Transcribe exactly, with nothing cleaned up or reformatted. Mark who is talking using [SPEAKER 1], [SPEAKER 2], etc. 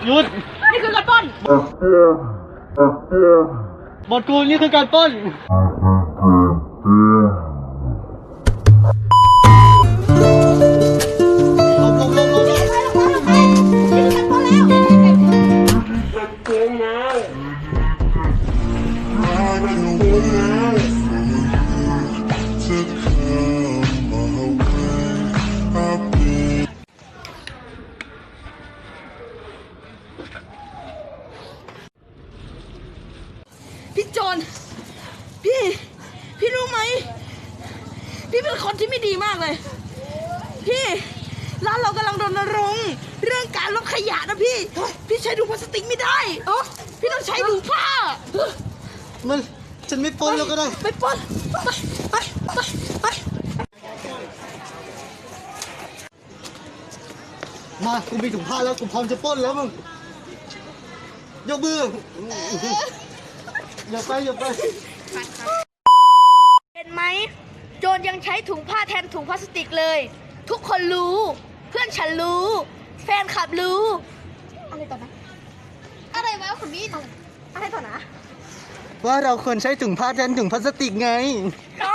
[SPEAKER 1] หยุด
[SPEAKER 2] นี่คือการปล้น
[SPEAKER 1] บทกูนี่คือการปล้นลงลงลงลง
[SPEAKER 2] นี่คือการปล้นแล้วพี่โจรพี่พี่รู้ไหมพี่เป็นคนที่ไม่ดีมากเลยพี่ร้านเรากำลังรณรงค์เรื่องการลดขยะนะพี่พี่ใช้ถุงพลาสติกไม่ได้พี่ต้องใช้ถุงผ้า
[SPEAKER 1] มันฉันไม่ปล้นแล้วก็ได้
[SPEAKER 2] ไปปล้นไปไปไปไป
[SPEAKER 1] มากูมีถุงผ้าแล้วกูพร้อมจะปล้นแล้วมึงยกมืออย่าไปอย่าไป
[SPEAKER 2] เห็นไหมโจรยังใช้ถุงผ้าแทนถุงพลาสติกเลยทุกคนรู้เพื่อนฉันรู้แฟนคลับรู้อะไรต่อนะอะไรวะคุณพี่อะไรต่อนะ
[SPEAKER 1] ว่าเราควรใช้ถุงผ้าแทนถุงพลาสติกไง
[SPEAKER 2] อ๋อ